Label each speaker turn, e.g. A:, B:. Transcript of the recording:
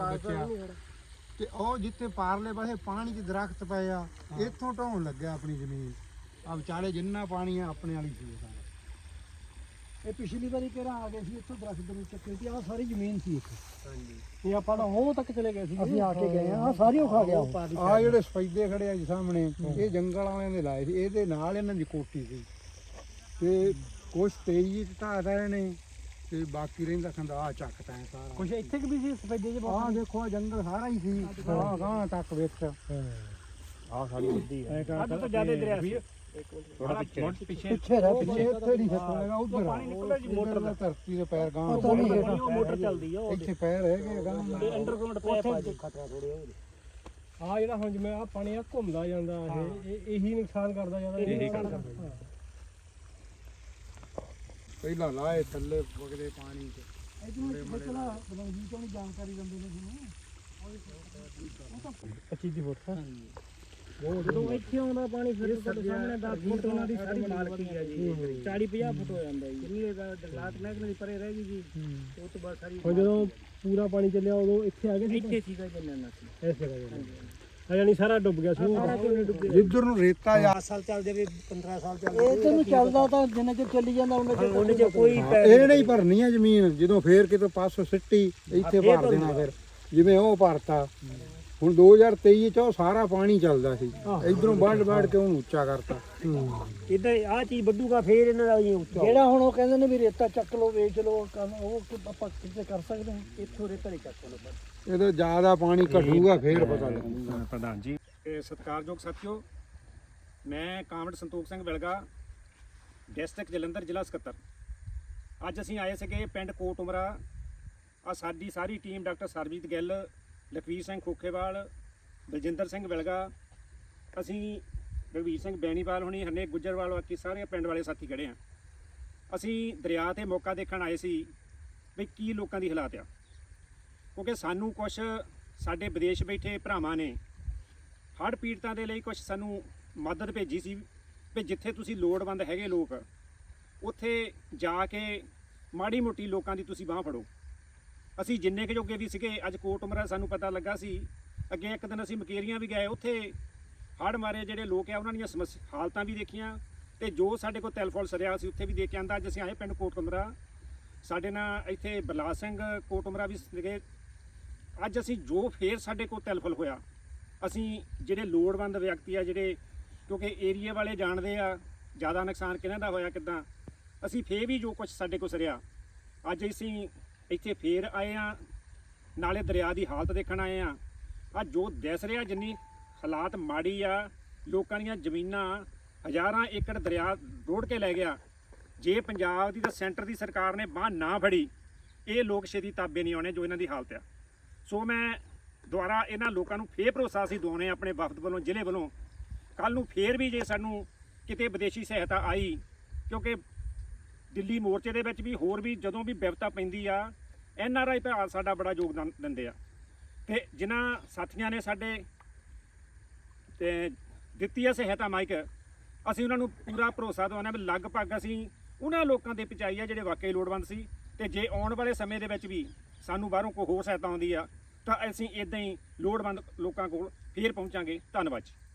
A: ਬਚਿਆ ਤੇ ਉਹ ਜਿੱਥੇ ਪਾਰਲੇ ਪਾਸੇ ਪਾਣੀ 'ਚ ਦਰਖਤ ਪਏ ਆ ਇੱਥੋਂ ਢਾਉਣ ਲੱਗਿਆ ਆਪਣੀ ਜ਼ਮੀਨ ਆ ਵਿਚਾਲੇ ਜਿੰਨਾ ਪਾਣੀ ਆ ਆਪਣੇ ਵਾਲੀ ਸੀ ਸਾਰਾ।
B: ਇਹ ਪਿਛਲੀ ਵਾਰੀ ਕਿਹੜਾ ਆ ਗਏ ਸੀ ਇੱਥੋਂ ਦਰਖਤ ਦੇ ਚੱਕੇ ਤੇ ਆਹ ਸਾਰੀ ਜ਼ਮੀਨ ਸੀ ਇੱਥੇ। ਹਾਂਜੀ ਤੇ ਆਪਾਂ ਤਾਂ ਉਹ ਤੱਕ ਚਲੇ ਗਏ ਸੀ, ਅਸੀਂ ਆ ਕੇ ਗਏ ਆ ਸਾਰੀ ਉਹ ਖਾ ਗਿਆ।
A: ਆ ਜਿਹੜੇ ਸਫੈਦੇ ਖੜੇ ਆ ਜੀ ਸਾਹਮਣੇ ਇਹ ਜੰਗਲ ਵਾਲਿਆਂ ਦੇ ਲਾਏ ਸੀ, ਇਹਦੇ ਨਾਲ ਇਹਨਾਂ ਦੀ ਕੋਠੀ ਸੀ ਤੇ ਕੁਛ ਤੇਜ਼ੀ ਚ ਢਾਹਦਾ ਇਹਨੇ ਤੇ ਬਾਕੀ ਰਹਿੰਦਾ ਖੰਦਾ ਆ ਚੱਕਦਾ ਹੈ ਸਾਰਾ।
B: ਕੁਛ ਇੱਥੇ ਵੀ ਸੀ ਸਫੈਦੇ ਚ
A: ਆਹ ਦੇਖੋ ਜੰਗਲ ਸਾਰਾ ਹੀ ਸੀ ਆਹ ਗਾਂ ਤੱਕ ਵੇਖ
B: ਆਹ ਸਾਡੀ ਵੱਡੀ ਹੈ ਅੱਧ ਤੋਂ ਜ਼ਿਆਦਾ ਦਰਿਆ ਸੀ।
A: ਥੋੜਾ ਪਿੱਛੇ ਇੱਥੇ ਨਹੀਂ ਸਕਦਾ ਉਧਰ
B: ਪਾਣੀ ਨਿਕਲਦਾ ਜੀ ਮੋਟਰ ਦਾ
A: ਧਰਤੀ ਦੇ ਪੈਰ ਗਾਂ
B: ਮੋਟਰ ਚੱਲਦੀ ਆ
A: ਇੱਥੇ ਪੈਰ ਹੈਗੇ ਗਾਂ
B: ਤੇ ਅੰਡਰਗਰਾਉਂਡ ਪੈਪ ਆ ਜੀ ਖਤਰਾ ਥੋੜੇ ਆ ਜਿਹੜਾ ਹੁਣ ਜਿਵੇਂ ਆ ਪਾਣੀ ਆ ਘੁੰਮਦਾ ਜਾਂਦਾ ਇਹ ਇਹੀ ਨੁਕਸਾਨ ਕਰਦਾ ਜਾਂਦਾ ਇਹੀ ਕਰਦਾ।
A: ਪਹਿਲਾਂ ਲਾਏ ਥੱਲੇ ਵਗਦੇ ਪਾਣੀ ਚ
B: ਇਹਦੇ ਵਿੱਚ ਬਚਣਾ ਬਲੰਗੀ ਤੋਂ ਜਾਣਕਾਰੀ ਦਿੰਦੇ ਨੇ ਤੁਹਾਨੂੰ 25 ਦੀ ਫੁੱਟ ਉਹ ਜਦੋਂ ਇੱਥੇ ਆਉਂਦਾ ਪਾਣੀ ਫਿਰ ਤੁਹਾਡੇ ਸਾਹਮਣੇ 10 ਫੁੱਟ ਉਹਨਾਂ ਦੀ ਸਾਰੀ ਮਾਲਕੀ ਹੈ ਜੀ 40-50 ਫੁੱਟ ਹੋ ਜਾਂਦਾ ਜੀ ਜਿੰਨੀ ਦਰਲਾਤ ਮਹਿਕਮੇ ਦੀ ਪਰੇ ਰਹਿ ਗਈ ਜੀ ਉਹ ਤੋਂ ਬਾਅਦ ਸਾਰੀ ਜਦੋਂ ਪੂਰਾ ਪਾਣੀ ਚੱਲਿਆ ਉਦੋਂ ਇੱਥੇ ਆ ਗਏ ਸੀ ਇੱਥੇ ਸੀਗਾ ਜੰਨਾ ਸੀ ਇਸ ਜਗ੍ਹਾ ਯਾਨੀ ਸਾਰਾ ਡੁੱਬ ਗਿਆ ਸੀ ਸਾਰਾ ਝੋਨੇ ਡੁੱਬ ਗਿਆ ਜਿੱਧਰ ਨੂੰ ਰੇਤਾ ਆ 10 ਸਾਲ ਚੱਲਦੇ ਵੀ 15 ਸਾਲ ਚੱਲਦੇ ਇਹ ਤੈਨੂੰ ਚੱਲਦਾ ਤਾਂ ਜਿੰਨੇ ਚ ਚੱਲੀ ਜਾਂਦਾ ਉਹਨੇ ਚ ਕੋਈ
A: ਇਹ ਨਹੀਂ ਭਰਨੀ ਆ ਜ਼ਮੀਨ ਜਦੋਂ ਫੇਰ ਕਿਤੇ ਪਾਸੋਂ ਸਿੱਟੀ ਇੱਥੇ ਭਰ ਦੇਣਾ ਫਿਰ ਜਿਵੇਂ ਉਹ ਭਰਤਾ ਹੁਣ 2023 ਚ ਉਹ ਸਾਰਾ ਪਾਣੀ ਚੱਲਦਾ ਸੀ ਇਧਰੋਂ ਵੱਢ ਕੇ ਉਹਨੂੰ ਉੱਚਾ ਕਰਤਾ
B: ਇਦਾਂ ਆਹ ਚੀਜ਼ ਵੱਡੂਗਾ ਫੇਰ ਇਹਨਾਂ ਦਾ ਉੱਚਾ ਜਿਹੜਾ ਹੁਣ ਉਹ ਕਹਿੰਦੇ ਨੇ ਵੀ ਰੇਤਾ ਚੱਕ ਲਓ ਵੇਚ ਲਓ ਉਹ ਆਪਾਂ ਕਿਤੇ ਕਰ ਸਕਦੇ ਹਾਂ ਇੱਥੋਂ ਰੇਤਾ ਨਹੀਂ ਚੱਕ ਲਓ
A: ਇਹਦਾ ਜ਼ਿਆਦਾ ਪਾਣੀ ਘਟੂਗਾ ਫੇਰ ਪਤਾ ਲੱਗੂਗਾ।
C: ਪ੍ਰਧਾਨ ਜੀ ਤੇ ਸਤਿਕਾਰਯੋਗ ਸਾਥੀਓ, ਮੈਂ ਕਾਮਰੇਡ ਸੰਤੋਖ ਸਿੰਘ ਵਿਲਗਾ ਡਿਸਟ੍ਰਿਕਟ ਜਲੰਧਰ ਜ਼ਿਲ੍ਹਾ ਸਕੱਤਰ। ਅੱਜ ਅਸੀਂ ਆਏ ਸੀਗੇ ਪਿੰਡ ਕੋਟ ਉਮਰਾ। ਆ ਸਾਡੀ ਸਾਰੀ ਟੀਮ ਡਾਕਟਰ ਸਰਬਜੀਤ ਗਿੱਲ, ਲਖਵੀਰ ਸਿੰਘ ਖੋਖੇਵਾਲ, ਬਲਜਿੰਦਰ ਸਿੰਘ ਵਿਲਗਾ, ਅਸੀਂ ਰਘਵੀਰ ਸਿੰਘ ਬੈਣੀਵਾਲ ਹੋਣੀ, ਹਰਨੇਕ ਗੁੱਜਰਵਾਲ, ਬਾਕੀ ਸਾਰੇ ਪਿੰਡ ਵਾਲੇ ਸਾਥੀ ਖੜੇ ਆ। ਅਸੀਂ ਦਰਿਆ ਤੇ ਮੌਕਾ ਦੇਖਣ ਆਏ ਸੀ ਵੀ ਕੀ ਲੋਕਾਂ ਦੀ ਹਾਲਾਤ ਆ, ਕਿਉਂਕਿ ਸਾਨੂੰ ਕੁਛ ਸਾਡੇ ਵਿਦੇਸ਼ ਬੈਠੇ ਭਰਾਵਾਂ ਨੇ ਹੜ੍ਹ ਪੀੜਤਾਂ ਦੇ ਲਈ ਕੁਛ ਸਾਨੂੰ ਮਦਦ ਭੇਜੀ ਸੀ ਵੀ ਜਿੱਥੇ ਤੁਸੀਂ ਲੋੜਵੰਦ ਹੈਗੇ ਲੋਕ ਉੱਥੇ ਜਾ ਕੇ ਮਾੜੀ ਮੋਟੀ ਲੋਕਾਂ ਦੀ ਤੁਸੀਂ ਬਾਂਹ ਫੜੋ। ਅਸੀਂ ਜਿੰਨੇ ਕੁ ਜੋਗੇ ਵੀ ਸੀਗੇ ਅੱਜ ਕੋਟ ਉਮਰਾ ਸਾਨੂੰ ਪਤਾ ਲੱਗਾ ਸੀ। ਅੱਗੇ ਇੱਕ ਦਿਨ ਅਸੀਂ ਮਕੇਰੀਆਂ ਵੀ ਗਏ, ਉੱਥੇ ਹੜ੍ਹ ਮਾਰੇ ਜਿਹੜੇ ਲੋਕ ਆ ਉਹਨਾਂ ਦੀਆਂ ਹਾਲਤਾਂ ਵੀ ਦੇਖੀਆਂ ਤੇ ਜੋ ਸਾਡੇ ਕੋਲ ਤਿਲ ਫੁੱਲ ਸਰਿਆ ਸੀ ਉੱਥੇ ਵੀ ਦੇਖ ਕੇ ਆਂਦਾ। ਅੱਜ ਅਸੀਂ ਆਏ ਪਿੰਡ ਕੋਟ ਉਮਰਾ, ਸਾਡੇ ਨਾਲ ਇੱਥੇ ਬਰਲਾਲ ਸਿੰਘ ਕੋਟ ਉਮਰਾ ਵੀ ਸੀਗੇ। ਅੱਜ ਅਸੀਂ ਜੋ ਫੇਰ ਸਾਡੇ ਕੋਲ ਤਿਲ ਫੁੱਲ ਹੋਇਆ, ਅਸੀਂ ਜਿਹੜੇ ਲੋੜਵੰਦ ਵਿਅਕਤੀ ਆ ਜਿਹੜੇ, ਕਿਉਂਕਿ ਏਰੀਆ ਵਾਲੇ ਜਾਣਦੇ ਆ ਜ਼ਿਆਦਾ ਨੁਕਸਾਨ ਕਿਹਨਾਂ ਦਾ ਹੋਇਆ ਕਿੱਦਾਂ, ਅਸੀਂ ਫੇਰ ਵੀ ਜੋ ਕੁਝ ਸਾਡੇ ਕੋਲ ਸਰਿਆ ਅੱਜ ਅਸੀਂ ਇੱਥੇ ਫੇਰ ਆਏ ਆ, ਨਾਲੇ ਦਰਿਆ ਦੀ ਹਾਲਤ ਦੇਖਣ ਆਏ ਆ। ਅੱਜ ਜੋ ਦਿਸ ਰਿਹਾ ਜਿੰਨੀ ਹਾਲਾਤ ਮਾੜੀ ਆ, ਲੋਕਾਂ ਦੀਆਂ ਜ਼ਮੀਨਾਂ ਹਜ਼ਾਰਾਂ ਏਕੜ ਦਰਿਆ ਰੋੜ ਕੇ ਲੈ ਗਿਆ। ਜੇ ਪੰਜਾਬ ਦੀ ਤਾਂ ਸੈਂਟਰ ਦੀ ਸਰਕਾਰ ਨੇ ਬਾਂਹ ਨਾ ਫੜੀ, ਇਹ ਲੋਕ ਛੇਤੀ ਤਾਬੇ ਨਹੀਂ ਆਉਣੇ ਜੋ ਇਹਨਾਂ ਦੀ ਹਾਲਤ ਆ। ਸੋ ਮੈਂ ਦੁਆਰਾ ਇਹਨਾਂ ਲੋਕਾਂ ਨੂੰ ਫੇਰ ਭਰੋਸਾ ਅਸੀਂ ਦਵਾਉਣੇ ਆਪਣੇ ਵਫਦ ਵੱਲੋਂ, ਜ਼ਿਲ੍ਹੇ ਵੱਲੋਂ, ਕੱਲ੍ਹ ਨੂੰ ਫੇਰ ਵੀ ਜੇ ਸਾਨੂੰ ਕਿਤੇ ਵਿਦੇਸ਼ੀ ਸਹਾਇਤਾ ਆਈ, ਕਿਉਂਕਿ ਦਿੱਲੀ ਮੋਰਚੇ ਦੇ ਵਿੱਚ ਵੀ ਹੋਰ ਵੀ ਜਦੋਂ ਵੀ ਵਿਪਤਾ ਪੈਂਦੀ ਆ NRI ਭਰਾ ਸਾਡਾ ਬੜਾ ਯੋਗਦਾਨ ਦਿੰਦੇ ਆ। ਤੇ ਜਿਨ੍ਹਾਂ ਸਾਥੀਆਂ ਨੇ ਸਾਡੇ ਤੇ ਦਿੱਤੀ ਆ ਸਹਾਇਤਾ ਮਾਈਕ, ਅਸੀਂ ਉਹਨਾਂ ਨੂੰ ਪੂਰਾ ਭਰੋਸਾ ਦਵਾਉਂਦੇ ਵੀ ਲਗਭਗ ਅਸੀਂ ਉਹਨਾਂ ਲੋਕਾਂ ਦੇ ਪਹੁੰਚਾਈ ਆ ਜਿਹੜੇ ਵਾਕਈ ਲੋੜਵੰਦ ਸੀ। ਤੇ ਜੇ ਆਉਣ ਵਾਲੇ ਸਮੇਂ ਦੇ ਵਿੱਚ ਵੀ ਸਾਨੂੰ ਬਾਹਰੋਂ ਕੋਈ ਹੋਰ ਸਹਾਇਤਾ ਆਉਂਦੀ ਆ ਤਾਂ ਅਸੀਂ ਇਦਾਂ ਹੀ ਲੋੜਵੰਦ ਲੋਕਾਂ ਕੋਲ ਫੇਰ ਪਹੁੰਚਾਂਗੇ। ਧੰਨਵਾਦ ਜੀ।